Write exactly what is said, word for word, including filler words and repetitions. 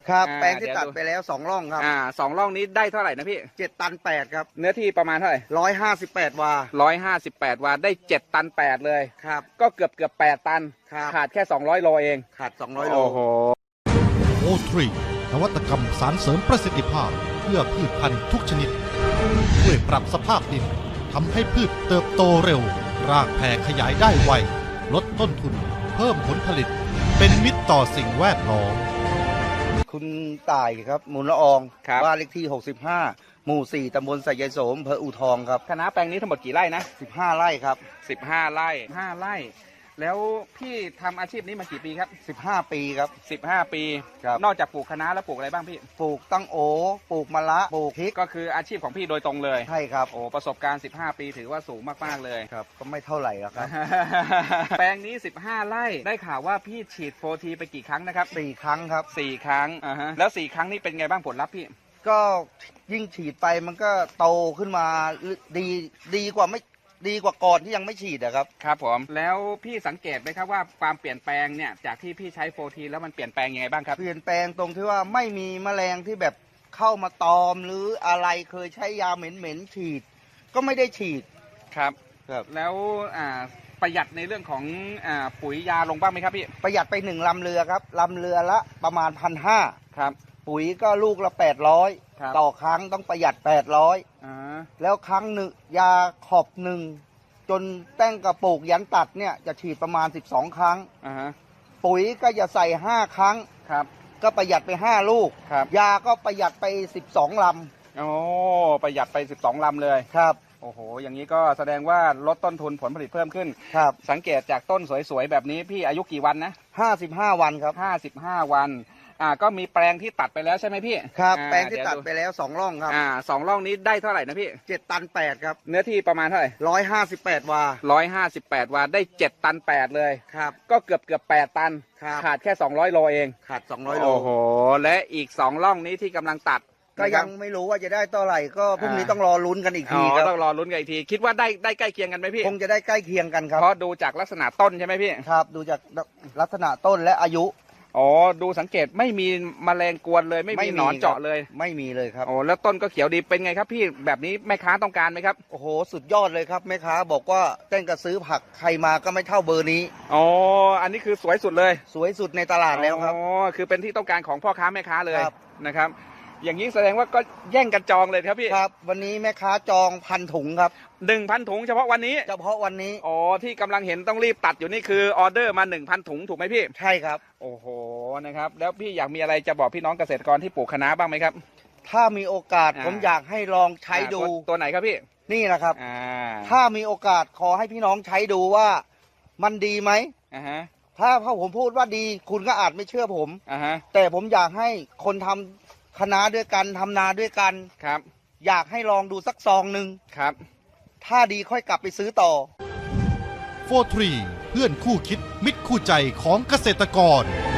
ครับแปลงที่ตัดไปแล้วสองร่องครับอ่าสองร่องนี้ได้เท่าไหร่นะพี่เจ็ดตันแปดครับเนื้อที่ประมาณเท่าไหร่ร้อยห้าสิบแปดวาร้อยห้าสิบแปดวาได้เจ็ดตันแปดเลยครับก็เกือบเกือบแปดตันขาดแค่สองร้อยโลเองขาดสองร้อยโลโอ้โหโอทรีนวัตกรรมสารเสริมประสิทธิภาพเพื่อพืชพันธุ์ทุกชนิดช่วยปรับสภาพดินทำให้พืชเติบโตเร็วรากแผ่ขยายได้ไวลดต้นทุนเพิ่มผลผลิตเป็นมิตรต่อสิ่งแวดล้อมคุณต่ายครับมูลละอองบ้านเลขที่หกสิบห้าหมู่สี่ตำบลสายายโสมอำเภออู่ทองครับคณะแปลงนี้ทั้งหมดกี่ไร่นะสิบห้าไร่ครับสิบห้าไร่ห้าไร่แล้วพี่ทำอาชีพนี้มากี่ปีครับสิบห้าปีครับสิบห้าปีนอกจากปลูกคะน้าแล้วปลูกอะไรบ้างพี่ปลูกตั้งโอปลูกมะละปลูกพริกก็คืออาชีพของพี่โดยตรงเลยใช่ครับโอ้ประสบการณ์สิบห้าปีถือว่าสูงมากๆเลยครับก็ไม่เท่าไหร่หรอกครับแปลงนี้สิบห้าไร่ได้ข่าวว่าพี่ฉีดโฟทีไปกี่ครั้งนะครับสี่ครั้งครับสี่ครั้งอ่าฮะแล้วสี่ครั้งนี้เป็นไงบ้างผลลัพธ์พี่ก็ยิ่งฉีดไปมันก็โตขึ้นมาดีดีกว่าไม่ดีกว่าก่อนที่ยังไม่ฉีดอะครับครับผมแล้วพี่สังเกตไหมครับว่าความเปลี่ยนแปลงเนี่ยจากที่พี่ใช้โฟทีแล้วมันเปลี่ยนแปลงยังไงบ้างครับเปลี่ยนแปลงตรงที่ว่าไม่มีแมลงที่แบบเข้ามาตอมหรืออะไรเคยใช้ยาเหม็นๆฉีดก็ไม่ได้ฉีดครับครับแล้วอ่าประหยัดในเรื่องของอ่าปุ๋ยยาลงบ้างไหมครับพี่ประหยัดไปหนึ่งลำเรือครับลำเรือละประมาณพันห้าครับปุ๋ยก็ลูกละแปดร้อยต่อครั้งต้องประหยัดแปดร้อยแล้วครั้งหนึ่งยาขอบหนึ่งจนแต้งกระปุกยันตัดเนี่ยจะฉีดประมาณสิบสองครั้งปุ๋ยก็จะใส่ห้าครั้งครับก็ประหยัดไปห้าลูกยาก็ประหยัดไปสิบสองลำโอ้ประหยัดไปสิบสองลำเลยครับโอ้โหอย่างนี้ก็แสดงว่าลดต้นทุนผลผลิตเพิ่มขึ้นครับสังเกตจากต้นสวยๆแบบนี้พี่อายุกี่วันนะห้าสิบห้าวันครับห้าสิบห้าวันอ่าก็มีแปลงที่ตัดไปแล้วใช่ไหมพี่ครับแปลงที่ตัดไปแล้วสองร่องครับอ่าสองร่องนี้ได้เท่าไหร่นะพี่เจ็ดตันแปดครับเนื้อที่ประมาณเท่าไหร่ร้อยห้าสิบแปดวาร้อยห้าสิบแปดวาได้เจ็ดตันแปดเลยครับก็เกือบเกือบแปดตันขาดแค่สองร้อยโลเองขาดสองร้อยโลโอ้โหและอีกสองร่องนี้ที่กำลังตัดก็ยังไม่รู้ว่าจะได้เท่าไหร่ก็พรุ่งนี้ต้องรอลุ้นกันอีกทีครับต้องรอลุ้นกันอีกทีคิดว่าได้ได้ใกล้เคียงกันไหมพี่คงจะได้ใกล้เคียงกันครับเพราะดูจากลักษณะต้นใช่ไหมพี่ครับดูจากลักษณะต้นและอายุอ๋อดูสังเกตไม่มีแมลงกวนเลยไม่มีหนอนเจาะเลยไม่มีเลยครับโอ้แล้วต้นก็เขียวดีเป็นไงครับพี่แบบนี้แม่ค้าต้องการไหมครับโอ้โหสุดยอดเลยครับแม่ค้าบอกว่าเต้นกระซื้อผักใครมาก็ไม่เท่าเบอร์นี้อ๋ออันนี้คือสวยสุดเลยสวยสุดในตลาดแล้วครับอ๋อคือเป็นที่ต้องการของพ่อค้าแม่ค้าเลยนะครับอย่างนี้แสดงว่าก็แย่งกันจองเลยครับพี่ครับวันนี้แม่ค้าจองพันถุงครับหนึ่งพันถุงเฉพาะวันนี้เฉพาะวันนี้อ๋อที่กำลังเห็นต้องรีบตัดอยู่นี่คือออเดอร์มาหนึ่งพันถุงถูกไหมพี่ใช่ครับโอ้โหนะครับแล้วพี่อยากมีอะไรจะบอกพี่น้องเกษตรกรที่ปลูกคะน้าบ้างไหมครับถ้ามีโอกาสผมอยากให้ลองใช้ดูตัวไหนครับพี่นี่นะครับถ้ามีโอกาสขอให้พี่น้องใช้ดูว่ามันดีไหมอ่าฮะถ้าพ่อผมพูดว่าดีคุณก็อาจไม่เชื่อผมอ่าฮะแต่ผมอยากให้คนทำคณะด้วยกันทำนาด้วยกันครับอยากให้ลองดูสักซองหนึ่งครับถ้าดีค่อยกลับไปซื้อต่อโฟร์ทรีเพื่อนคู่คิดมิตรคู่ใจของเกษตรกร